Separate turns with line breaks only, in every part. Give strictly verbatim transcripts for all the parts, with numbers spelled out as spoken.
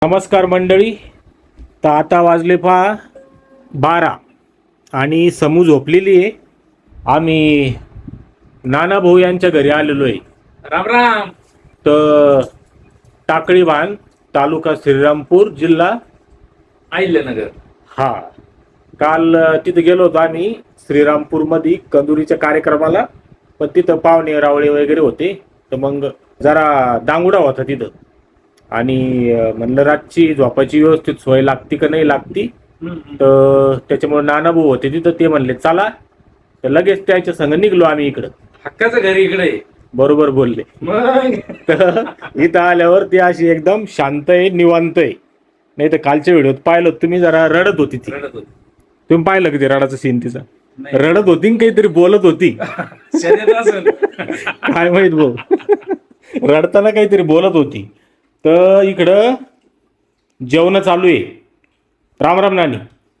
नमस्कार मंडळी. तर आता वाजले पहा बारा आणि समू झोपलेली आहे. आम्ही नाना भाऊ यांच्या घरी आलेलो आहे.
राम राम.
तर टाकळी भान, तालुका श्रीरामपूर, जिल्हा
अहिल्यानगर.
हा. काल तिथे गेलो होतो आम्ही श्रीरामपूरमध्ये कंदुरीच्या कार्यक्रमाला. पण तिथं पाहुणे रावळे वगैरे होते, तर मग जरा दांगुडा होता तिथं. आणि म्हणलं रातची झोपाची व्यवस्थित सोय लागती का नाही लागती. तर त्याच्यामुळे नाना भाऊ होते तिथं, ते म्हणले चला. तर लगेच त्याच्या संग निघलो आम्ही इकडं.
हक्काचं घर इकडे आहे.
बरोबर बोलले.
मग
तर इथं आल्यावर ती अशी एकदम शांत आहे, निवांत आहे. नाही तर कालच्या व्हिडिओत पाहिलं तुम्ही, जरा रडत होती ती.
रडत होती.
तुम्ही पाहिलं की ते रडाचं सीन तिचा?
नाही.
रडत होती न काहीतरी बोलत होती.
शर्यत असेल.
काय माहित भाऊ. रडताना काहीतरी बोलत होती. तर इकडं जेवण चालू आहे. राम राम नानी.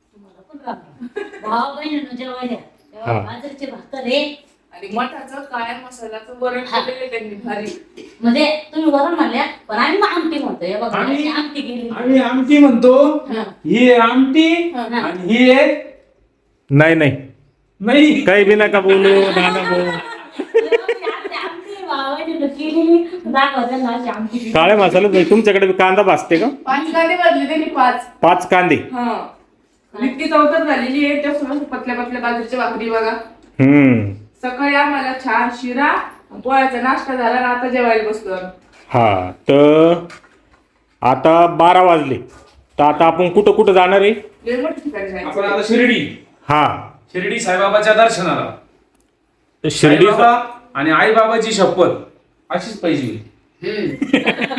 भाव बहिणीनं जेवायला
हा.
बाजरीचे भाकर आहे.
आणि मठाचं काळ्या मसाल्याचं वरण केलेलं त्यांनी भारी.
म्हणजे तुम्ही वरण म्हणल्या, पण आम्ही मग आमटी म्हणतो. हे बघा,
आम्ही-
आमची आमटी केली.
आम्ही आमटी म्हणतो.
हा.
ही आहे आमटी
हा.
आणि ही आहे
नाही नाही
नाही.
काही बी नका बोलू नाना भाऊ.
आमची आमटी भाव बहिणीनं केलेली. दाखवा त्यांना अशी आमटी केली.
काळ्या मसाल्यात नाही. तुमच्याकडे बी कांदा भाजते का?
पाच कांदे भाजले त्यांनी पाच.
पाच कांदे.
हा इतकी चौथर झालेली आहे. त्यासोबत पतल्या पतल्या बाजरीच्या भाकरी बघा.
हम्म.
सकाळी आम्हाला छान शिरा पोळ्याचा नाश्ता झाला आणि आता जेवायला बसलो आम्ही.
हा. तर आता बारा वाजले. तर आता आपण कुठं कुठं जाणार आहे?
लय मोठं ठिकाणी जायचं.
आपण आता शिर्डी
हा.
शिर्डी साईबाबाच्या दर्शनाला.
तर शिर्डी.
साईबाबा आणि आईबाबाची शपथ अशीच पाहिजे.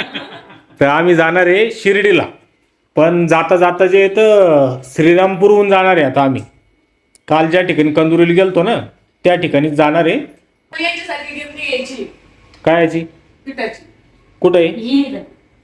तर आम्ही जाणार आहे शिर्डीला. पण जाता जाता जे तर श्रीरामपूरहून जाणार आहे आता आम्ही. काल ज्या ठिकाणी कंदुरीला गेलतो ना, त्या ठिकाणी जाणार आहे.
पण याच्यासाठी गिरणी घ्यायची
काय याची?
पिठाची.
कुठं आहे?
ही इथं.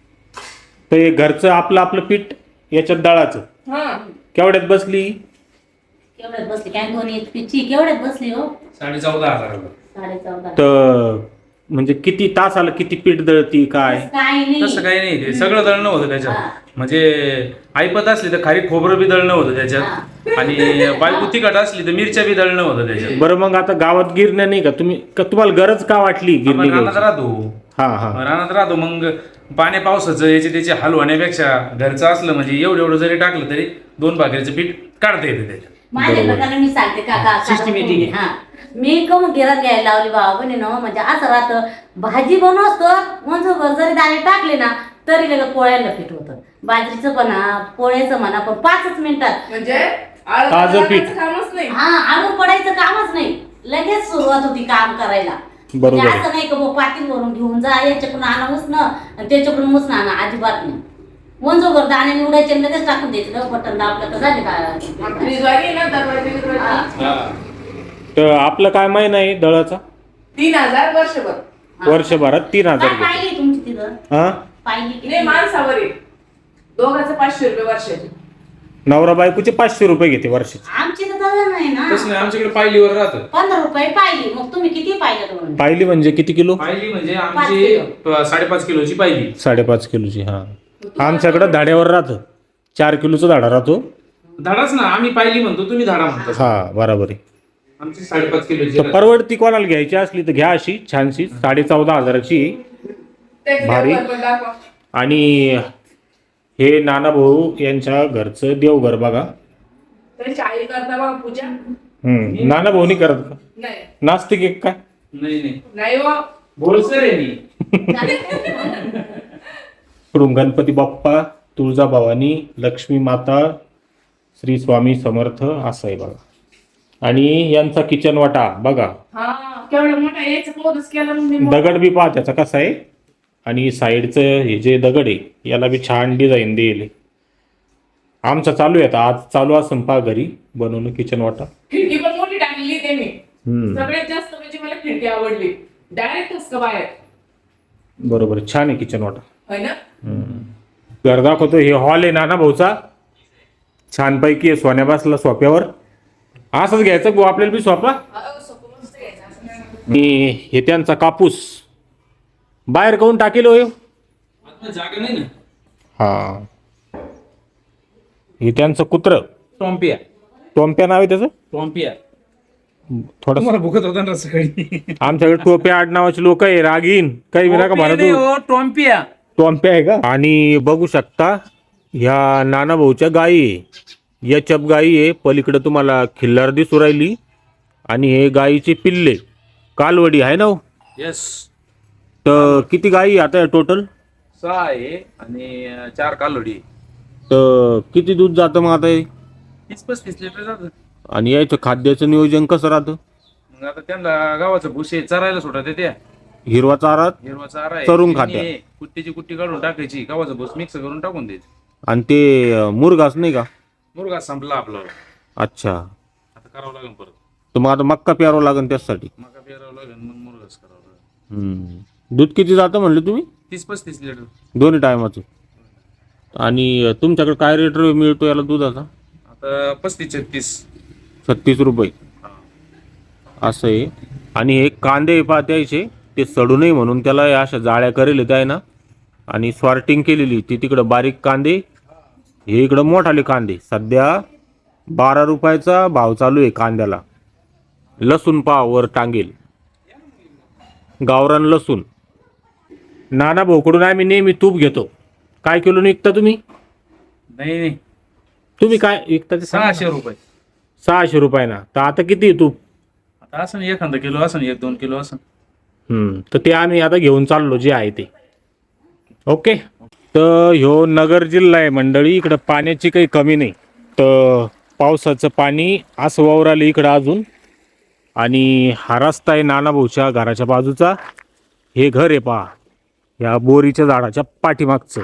तर हे घरचं आपलं आपलं पीठ याच्यात दळाचं.
हा
केवढ्यात बसली?
केवढ्यात बसली काय दोन एक पिची केवढ्यात बसली हो?
साडे चौदा हजार.
साडे चौदा.
तर म्हणजे किती तास आलं, किती पीठ दळती काय?
काय नाही.
तसं काही नाही. ते सगळं दळणं होतं
हा.
त्याच्यात. म्हणजे ऐपत असली तर खारी खोबरं बी दळणं होतं त्याच्यात. आणि बायको तिखट असली तर मिरच्या बी दळणं होतं त्याच्यात.
बरं मग आता गावात गिरण्या नाही का? तुम्ही का तुम्हाला गरज का वाटली गिरणी
आपण रानात
घ्यायची?
राहतो.
हा हा.
रानात राहतो मग पाण्या पावसाचं याचे त्याचे हाल होण्यापेक्षा घरचं असलं म्हणजे एवढं एवढं जरी टाकलं तरी दोन भाकरीचं पीठ काढता येते त्याच्यात.
माझ्या प्रकारे मी सांगते काका.
Systematic आहे.
हा मी कम गिरात घ्यायला लावली बाबा बने ना. म्हणजे असं राहतं, भाजी बनवतो म्हणजे जरी दाणे टाकले ना तरी लगेच पोळ्याला पीठ होतं. बाजरीचं म्हणा, पोळ्याचं म्हणा, पण पाचच मिनिटात.
म्हणजे आळत
ताजं पीठ.
घालायचं कामच नाही.
हा आडू पडायचं कामच नाही. लगेच सुरुवात होती काम करायला.
बरोबर.
म्हणजे असं नाही का मग पातील भरून घेऊन जा, याच्याकडून आणा मुसणं आणि त्याच्याकडून मुसणं आणा, अजिबात नाही. वंजोगर दाणे निवडायचे आणि लगेच टाकून द्यायचं. बटन दाबलं तर झाले का?
फ्रीजवाली ना दरवाजे बिरवाजे.
तर आपलं काय महिना आहे दळाचा?
तीन हजार वर्षभर.
वर्षभरात तीन हजार
काय
रुपये.
पाहिली तुमची तिथं?
हा.
पाहिली किती?
नाही माणसावर आहे. दोघांचं पाचशे रुपये वर्षाचे.
नवरा बायकोचे पाचशे रुपये घेते वर्षाचे.
आमची तर तसं नाही ना.
तसं नाही, आमच्याकडे पायलीवर राहतं.
पंधरा रुपये पाहिली. मग तुम्ही किती पाहिलं तुम्ही?
पाहिली म्हणजे किती किलो?
पायली म्हणजे
पाच
आमची प- साडेपाच किलोची पायली.
साडेपाच किलोची. हा. आमच्याकडं धाड्यावर राहतं. चार किलोचा धाडा राहतो.
धाडाच ना, आम्ही पायली म्हणतो, तुम्ही धाडा म्हणता.
हा बरोबर आहे.
आमची साडेपाच किलोची
तर
राहते.
परवडती कोणाला घ्यायची असली तर घ्या अशी छानशी. साडे चौदा हजाराची.
त्याचे
भारी.
देवघर पण दाखवा.
आणि हे नाना भाऊ यांच्या घरचं देवघर बघा.
त्यांची आई करता बघा पूजा.
हम्म. नाना भाऊनी करत का?
नाही
नास्तिक एक काय?
नाही नाही,
नाही हो.
बोलसर आहे मी.
कुठून गणपती बाप्पा, तुळजाभवानी, लक्ष्मी माता, श्री स्वामी समर्थ असं आहे बघा. आणि यांचा किचन वाटा बघा.
हा केवढा मोठा याचा पोरच केला म्हणजे मोठा.
दगड बी पहा त्याचा कसा आहे. आणि साईडचं हे जे दगड आहे याला बी छान डिझाईन देईल. आमचा चालू आहे आता. आज चालू असं पहा घरी बनवणं किचन वाटा.
खिडकी पण मोठी टाकलेली त्यांनी.
हम्म.
सगळ्यात जास्त म्हणजे मला खिडकी आवडली. डायरेक्ट हसका बाहेर.
बरोबर छान आहे किचन वाटा.
होय ना.
घर दाखवतो. हे हॉल आहे नाना भाऊचा. छानपैकी आहे. सोन्या बसला सोफ्यावर. असंच घ्यायचं गो आपल्याला बी सोफा.
अहो, सोपं मस्त घ्यायचं असं नाही.
आणि हे त्यांचा कापूस बाहेर काऊन टाकेल हो.
आता जागा नाही ना.
हा, हे त्यांचं कुत्र
टॉम्पिया
टोम्प्या नाव आहे त्याचं.
टॉम्पिया
थोडं
तुम्हाला भुकत होता ना सकाळी.
आमच्याकडे टोप्या आडनावाचे लोक आहे, रागीन काही विना का
टॉम्पिया
म्हणा
नाही
तू.
हो, टॉम्पिया.
टोम्प्या आहे का. आणि बघू शकता ह्या नाना भाऊच्या गायी आहे, याच्याप गायी आहे. पलीकडे तुम्हाला खिल्लार दिसू राहिली आणि हे गायीचे पिल्ले कालवडी आहे ना हो?
येस.
तर किती गायी आता टोटल.
सहा आहे आणि अं, चार कालोडी.
तर किती दूध जातं मग आता हे?
तीस पस्तीस लिटर जातं.
आणि याचं खाद्याचं नियोजन कसं राहतं.
मग आता त्यांना गावाचं भुसे चरायला सोडत त्या
हिरवा चारा
हिरवा चारा आहे,
चरून
त्यांनी
खात्या.
कुट्टीची कुट्टी काढून टाकायची, गावाचं भुस मिक्स करून टाकून द्यायचं.
आणि ते अं, मुरघास नाही का.
मुरगा संपला आपला.
अच्छा,
आता करावं लागेल परत.
तर मग आता मक्का प्यारावं लागेल त्यासाठी.
मका पेरावं लागेल मग मुरगाच करावं लागेल.
हम्म. दूध किती जातं म्हणलं तुम्ही.
तीस पस्तीस लिटर.
दोन्ही टायमाचं. आणि तुमच्याकडे काय रेट मिळतो याला दुधाचा.
आता पस्तीस छत्तीस.
छत्तीस रुपये असं आहे. आणि हे कांदे पा द्यायचे ते सडू नये म्हणून त्याला या अशा जाळ्या करेल त्या आहे ना, आणि सॉर्टिंग केलेली ती तिकडं बारीक कांदे, हे इकडं मोठाले कांदे. सध्या बारा रुपयाचा भाव चालू आहे कांद्याला. लसूण पाव वर टांगेल, गावरान लसूण. नाना भाऊकडून आम्ही नेहमी तूप घेतो. काय किलो विकता तुम्ही.
नाही नाही
तुम्ही काय विकता ते सांगा ना.
सहाशे रुपये.
सहाशे रुपयाना. तर आता किती आहे तूप.
आता असं नाही, एखादा किलो असं एक दोन किलो असं.
हम्म, तर ते आम्ही आता घेऊन चाललो जे आहे ते. ओके. तर ह्यो नगर जिल्हा आहे मंडळी, इकडं पाण्याची काही कमी नाही. तर पावसाचं पाणी असं वावरालं इकडं अजून. आणि हा रस्ता आहे नाना भाऊच्या घराच्या बाजूचा. हे घर आहे पहा, या बोरीच्या झाडाच्या पाठीमागचं.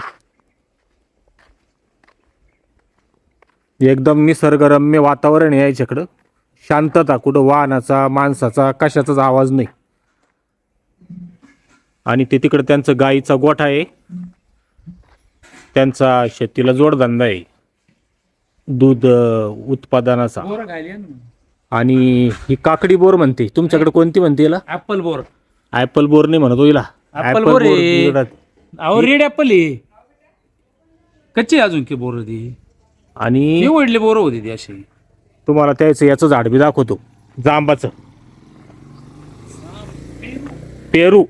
एकदम निसर्गरम्य वातावरण आहे याच्याकडं. शांतता, कुठं वाहनाचा माणसाचा कशाचाच आवाज नाही. आणि ते तिकडं त्यांचं गाईचा गोठा आहे, त्यांचा शेतीला जोडधंदा आहे दूध अं, उत्पादनाचा.
बोर खायली ना.
आणि ही काकडी बोर म्हणते, तुमच्याकडे कोणती म्हणते याला.
Apple bore.
ऍपल बोर नाही म्हणत हो हिला.
ऍपल बोर आहे.
बोर.
अहो रेड ऍपल आहे. कच्ची अजून की बोर ती.
आणि
निवडली बोर होती ती अशी.
तुम्हाला त्याचं याचं झाड बी दाखवतो, जांबाचं. पेरू.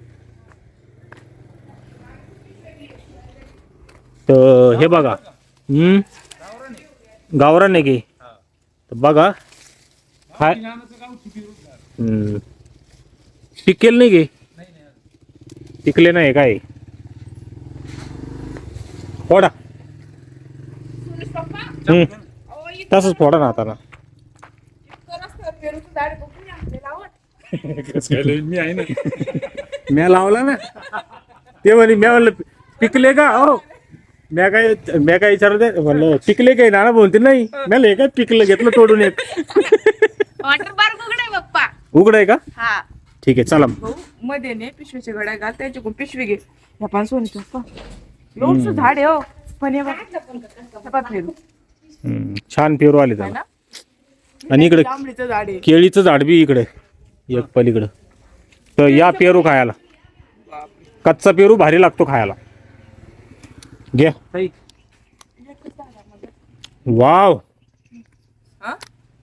तर हे बघा. हम्म, गावरान आहे की. तर बघा हाय. हम्म, पिकेल नाही गे. पिकले नाही काय. फोडा. हम्म, तसंच फोडा ना आता ना.
मी आहे ना.
म्या लावला ना. ते म्हणे म्या म्हणलं पिकले का. हो म्या काय म्या काय विचारत म्हणलं पिकले काय. नाना बोलते नाही. म्या हे काय पिकलं घेतलं तोडून एक.
वॉटर पार्क उघडाय बाप्पा.
उघडाय का.
हा
ठीक आहे चला.
भाऊ मध्ये ने पिशवीच्या घड्या घाल, त्याच्याकडून पिशवी घे. ह्या पान सोनीचं पप्पा लोणचं झाड आहे हो. पण हे बघ, हे बघ पेरू.
हम्म, छान पेरू आले
है
त्याला.
ना?
आणि इकडे
जांभळीचं झाड आहे.
केळीचं झाड बी इकडे एक पलीकडं. तर या पेरू खायला. कच्चा पेरू भारी लागतो खायला. घ्या.
ताई,
वाव.
हा?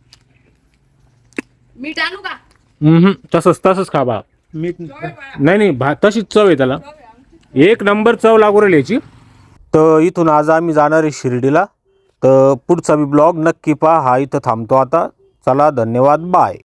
मीठ आणू का.
हम्म, तसंच तसंच खा बा. मीठ नाही नाही भा तशीच चव आहे त्याला. एक नंबर चव लागू राहिली याची. तर इथून आज आम्ही जाणार आहे शिर्डीला. तर पुढचा बी ब्लॉग नक्की पहा. हा इथं थांबतो आता. चला धन्यवाद, बाय.